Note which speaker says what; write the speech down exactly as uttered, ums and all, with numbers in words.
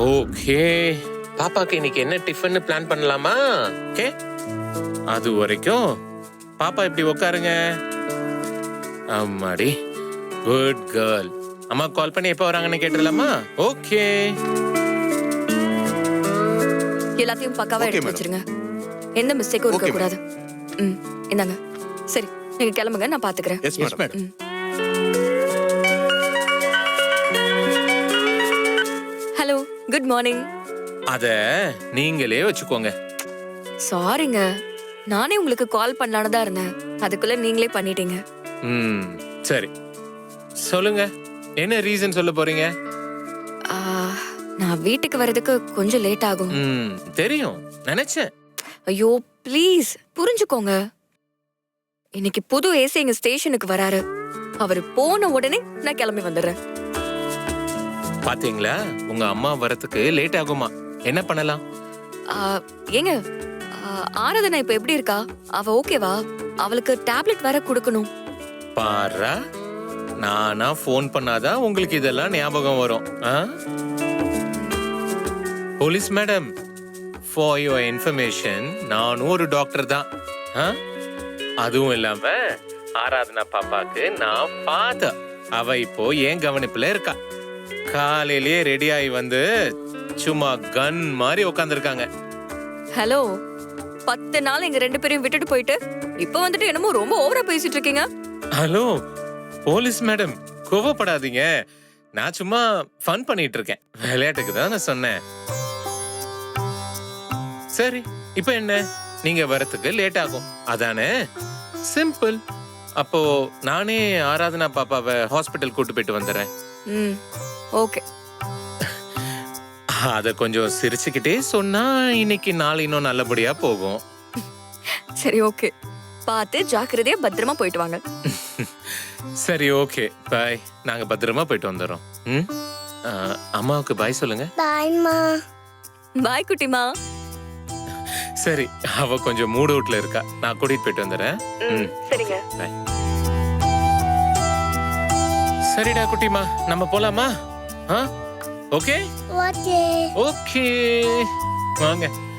Speaker 1: Okay, பாப்பாக்கு இன்னைக்கு என்ன டிஃபன் பிளான் பண்ணலாமா? ஓகே, அது வரைக்கும் பாப்பா இப்படி உட்காருங்க. அம்மாடி, குட் கேர்ள். அம்மா கால் பண்ணி எப்போ வராங்கன்னு கேட்டுடலாமா? ஓகே,
Speaker 2: எல்லாத்தையும் பக்காவா எடுத்து வச்சிருங்க. எந்த மிஸ்டேக்கும் இருக்க கூடாது. ம், இந்தாங்க. சரி, நீங்க கிளம்புங்க, நான் பாத்துக்கிறேன்.
Speaker 3: Yes madam.
Speaker 2: Hello, good morning.
Speaker 1: அத நீங்களே வச்சுக்கோங்க.
Speaker 2: சாரிங்க, நானே உங்களுக்கு கால் பண்ணலான்னு தான் இருந்தேன். அதுக்குள்ள நீங்களே பண்ணிட்டீங்க.
Speaker 1: ம், சரி சொல்லுங்க, என்ன ரீசன் சொல்ல போறீங்க?
Speaker 2: ஆ, நான் வீட்டுக்கு வரதுக்கு கொஞ்சம் லேட் ஆகும்.
Speaker 1: ம், தெரியும் நினைச்சேன்.
Speaker 2: ஐயோ ப்ளீஸ் புரிஞ்சுக்கோங்க. இன்னைக்கு புது ஏசி எங்க ஸ்டேஷனுக்கு வராரு. அவரு போன உடனே நான் கிளம்பி வந்துடுறேன்.
Speaker 1: பாத்தீங்களா, உங்க அம்மா வரதுக்கு லேட் ஆகுமா? என்ன பண்ணலாம்?
Speaker 2: ஆ, ஏங்க, ஆ, ஆராதனா இப்ப எப்படி இருக்கா? அவ ஓகேவா? அவளுக்கு டேப்லெட் வேற கொடுக்கணும்.
Speaker 1: பாரா, நானா ஃபோன் பண்ணாதான் உங்களுக்கு இதெல்லாம் ஞாபகம் வரும். ஆ? Police madam, for your information, நானும் ஒரு டாக்டர் தான். ஆ? அதுவும் இல்லாம ஆராதனா பாப்பாக்கு நான் ஃபாதர். அவ இப்போ ஏன் கவனிப்புல இருக்கா. காலையிலேயே ரெடி ஆகி வந்து சும்மா கன் மாதிரி உட்காந்துருக்காங்க.
Speaker 2: ஹலோ, பத்து நாள் எங்க ரெண்டு பேரையும் விட்டுட்டு போயிட்டு இப்ப வந்துட்டு என்னமோ ரொம்ப ஓவரா பேசிட்டு இருக்கீங்க.
Speaker 1: ஹலோ போலீஸ் மேடம், கோவப்படாதீங்க. நான் சும்மா ஃபன் பண்ணிட்டு இருக்கேன். விளையாட்டுக்கு தான் நான் சொன்னேன். சரி, இப்போ என்ன, நீங்க வரதுக்கு லேட் ஆகும் அதானே? சிம்பிள். அப்போ நானே ஆராதனா பாப்பாவை ஹாஸ்பிட்டல் கூட்டு போயிட்டு வந்துடுறேன்.
Speaker 2: ம், ஓகே.
Speaker 1: அத கொஞ்சம் சிரிச்சுக்கிட்டே சொன்னா இன்னைக்கு நாள் இன்னும் நல்லபடியா போகும்.
Speaker 2: சரி, ஓகே. பார்த்து ஜாக்கிரதையா பத்திரமா போயிட்டு வாங்க.
Speaker 1: சரி, ஓகே, பாய். நாங்க பத்திரமா போயிட்டு வந்துடுறோம். ம், ஆ, அம்மாவுக்கு பாய் சொல்லுங்க.
Speaker 4: பாய்மா.
Speaker 2: பாய் குட்டிமா.
Speaker 1: சரி, அவ கொஞ்சம் மூட் அவுட்ல இருக்கா. நான் கூட்டிட்டு போயிட்டு வந்துடுறேன். ம்,
Speaker 2: சரிங்க.
Speaker 1: பாய். சரிடா குட்டிமா, நம்ம போலாமா? ஆ, ஓகே
Speaker 4: ஓகே.
Speaker 1: ஓகே, வாங்க.